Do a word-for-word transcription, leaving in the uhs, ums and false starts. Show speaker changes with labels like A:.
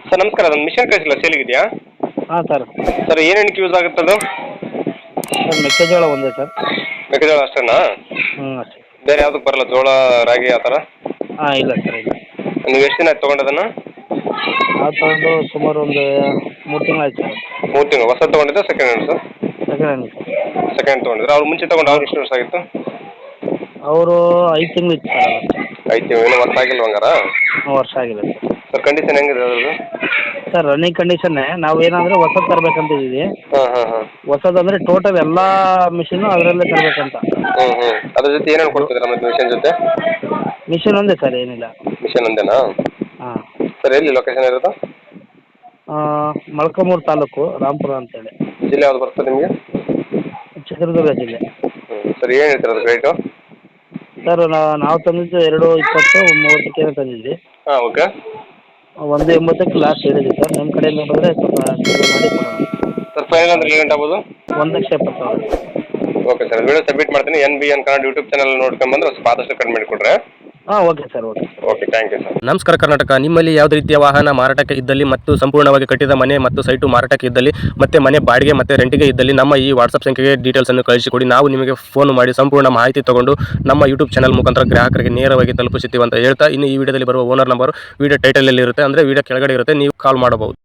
A: Sir ನಮಸ್ಕಾರ, ಅದೊಂದು mission ಕಳಿಸಿಲ್ಲ ಸೇಲಿಗಿದೆಯಾ?
B: ಹಾಂ ಸರ್.
A: ಸರ್ ಏನೇನಕ್ಕೆ ಯೂಸ್ ಆಗುತ್ತೆ ಅದು?
B: ಸರ್ ಮೆಕ್ಕೆಜೋಳ ಒಂದೇ ಸರ್.
A: ಮೆಕ್ಕೆಜೋಳ ಅಷ್ಟೇನಾ?
B: ಹ್ಞೂ ಅಷ್ಟೇ.
A: ಬೇರೆ ಯಾವುದಕ್ಕೆ ಬರಲ್ಲ, ಜೋಳ ರಾಗಿ ಆ ಥರ?
B: ಹಾಂ ಇಲ್ಲ ಸರ್ ಇಲ್ಲ.
A: ನೀವು ಎಷ್ಟು ದಿನ ಆಯ್ತು ತೊಗೊಂಡದನ್ನು?
B: ನಾವು ತಗೊಂಡು ಸುಮಾರು ಒಂದು ಮೂರು ತಿಂಗಳು ಆಯ್ತು ಸರ್.
A: ಮೂರು ತಿಂಗಳು. ಹೊಸ ತೊಗೊಂಡಿದ್ದ second hand sir?
B: Second hand sir.
A: Second ತೊಗೊಂಡಿದ್ರೆ ಅವ್ರು ಮುಂಚೆ ತೊಗೊಂಡು ಅವ್ರು ಎಷ್ಟು ವರ್ಷ ಆಗಿತ್ತು?
B: ಅವರು ಐದು ತಿಂಗಳು ಇತ್ತು ಸರ್ ಅದಷ್ಟೇ.
A: ಐದು ತಿಂಗಳು, ಇನ್ನೂ ವರ್ಷ ಆಗಿಲ್ಲ ಹಂಗಾರ?
B: ಹ್ಞೂ ವರ್ಷ ಆಗಿಲ್ಲ ಸರ್.
A: ಸರ್ ಕಂಡೀಷನ್ ಹೆಂಗಿದೆ ಅದ್ರದ್ದು?
B: ಸರ್ ರನ್ನಿಂಗ್ ಕಂಡೀಷನ್ನೇ. ನಾವು ಏನಂದರೆ ಹೊಸದು ತರಬೇಕಂತಿದ್ದೀವಿ.
A: ಹಾಂ ಹಾಂ ಹಾಂ.
B: ಹೊಸದಂದರೆ ಟೋಟಲ್ ಎಲ್ಲ ಮಿಷಿನ್ನು ಅದರಲ್ಲೇ ತರಬೇಕಂತ.
A: ಹ್ಞೂ ಹ್ಞೂ. ಅದ್ರ ಜೊತೆ ಏನೇನು ಕೊಡ್ತಿದ್ದೀರಾ ಮತ್ತೆ ಮಿಷನ್ ಜೊತೆ?
B: ಮಿಷಿನ್ ಒಂದೇ ಸರ್, ಏನಿಲ್ಲ.
A: ಮಿಷನ್ ಒಂದೇನಾ?
B: ಹಾಂ.
A: ಸರ್ ಎಲ್ಲಿ ಲೊಕೇಶನ್ ಇರೋದು?
B: ಮೊಳಕಾಲ್ಮೂರು ತಾಲೂಕು, ರಾಂಪುರ ಅಂತೇಳಿ.
A: ಜಿಲ್ಲೆ ಯಾವ್ದು ಬರ್ತದೆ ನಿಮಗೆ?
B: ಚಿತ್ರದುರ್ಗ ಜಿಲ್ಲೆ.
A: ಹ್ಞೂ. ಸರ್ ಏನು ಹೇಳ್ತೀರ ಅದು ರೇಟು?
B: ಸರ್ ನಾವು ತಂದಿದ್ದು ಎರಡು ಇಪ್ಪತ್ತು ಮೂವತ್ತಕ್ಕೇನೋ ತಂದಿದ್ವಿ.
A: ಹಾಂ ಓಕೆ.
B: ಒಂದು ಎಂಬತ್ತಕ್ಕೆ ಲಾಸ್ಟ್ ಹೇಳಿದ್ವಿ ಸರ್. ನಿಮ್ಮ ಕಡೆಯಿಂದ ಬಂದರೆ ಸ್ವಲ್ಪ ಕಡಿಮೆ ಮಾಡಿ ಕೊಡೋಣ.
A: ಸರ್ ಫೈನಲ್ ಅಂದ್ರೆ ಏನು ಆಗ್ಬೋದು?
B: ಒಂದು ಲಕ್ಷ ಎಪ್ಪತ್ತು ಸಾವಿರ.
A: ಓಕೆ ಸರ್, ವಿಡಿಯೋ ಸಬ್ಮಿಟ್ ಮಾಡ್ತೀನಿ. N B N Kannada YouTube channel ನೋಡ್ಕೊಂಡ್ಬಂದ್ರೆ ಸ್ವಲ್ಪ ಆದಷ್ಟು ಕಡಿಮೆ ಮಾಡಿಕೊಡ್ರೆ.
B: ಹಾಂ okay sir, okay.
A: Okay, thank you sir.
C: ನಮಸ್ಕಾರ ಕರ್ನಾಟಕ. ನಿಮ್ಮಲ್ಲಿ ಯಾವುದೇ ರೀತಿಯ ವಾಹನ ಮಾರಾಟಕ್ಕೆ ಇದ್ದಲ್ಲಿ ಮತ್ತು ಸಂಪೂರ್ಣವಾಗಿ ಕಟ್ಟಿದ ಮನೆ ಮತ್ತು ಸೈಟು ಮಾರಾಟಕ್ಕೆ ಇದ್ದಲ್ಲಿ ಮತ್ತೆ ಮನೆ ಬಾಡಿಗೆ ಮತ್ತು ರೆಂಟಿಗೆ ಇದ್ದಲ್ಲಿ ನಮ್ಮ ಈ ವಾಟ್ಸಪ್ ಸಂಖ್ಯೆಗೆ ಡೀಟೇಲ್ಸನ್ನು ಕಳಿಸಿಕೊಡಿ. ನಾವು ನಿಮಗೆ ಫೋನ್ ಮಾಡಿ ಸಂಪೂರ್ಣ ಮಾಹಿತಿ ತಗೊಂಡು ನಮ್ಮ ಯೂಟ್ಯೂಬ್ ಚಾನಲ್ ಮುಖಾಂತರ ಗ್ರಾಹಕರಿಗೆ ನೇರವಾಗಿ ತಲುಪಿಸುತ್ತೀವಿ ಅಂತ ಹೇಳ್ತಾ, ಇನ್ನು ಈ ವಿಡಿಯೋದಲ್ಲಿ ಬರುವ ಓನರ್ ನಂಬರ್ ವಿಡಿಯೋ ಟೈಟಲಲ್ಲಿ ಇರುತ್ತೆ, ಅಂದರೆ ವಿಡಿಯೋ ಕೆಳಗಡೆ ಇರುತ್ತೆ, ನೀವು ಕಾಲ್ ಮಾಡಬಹುದು.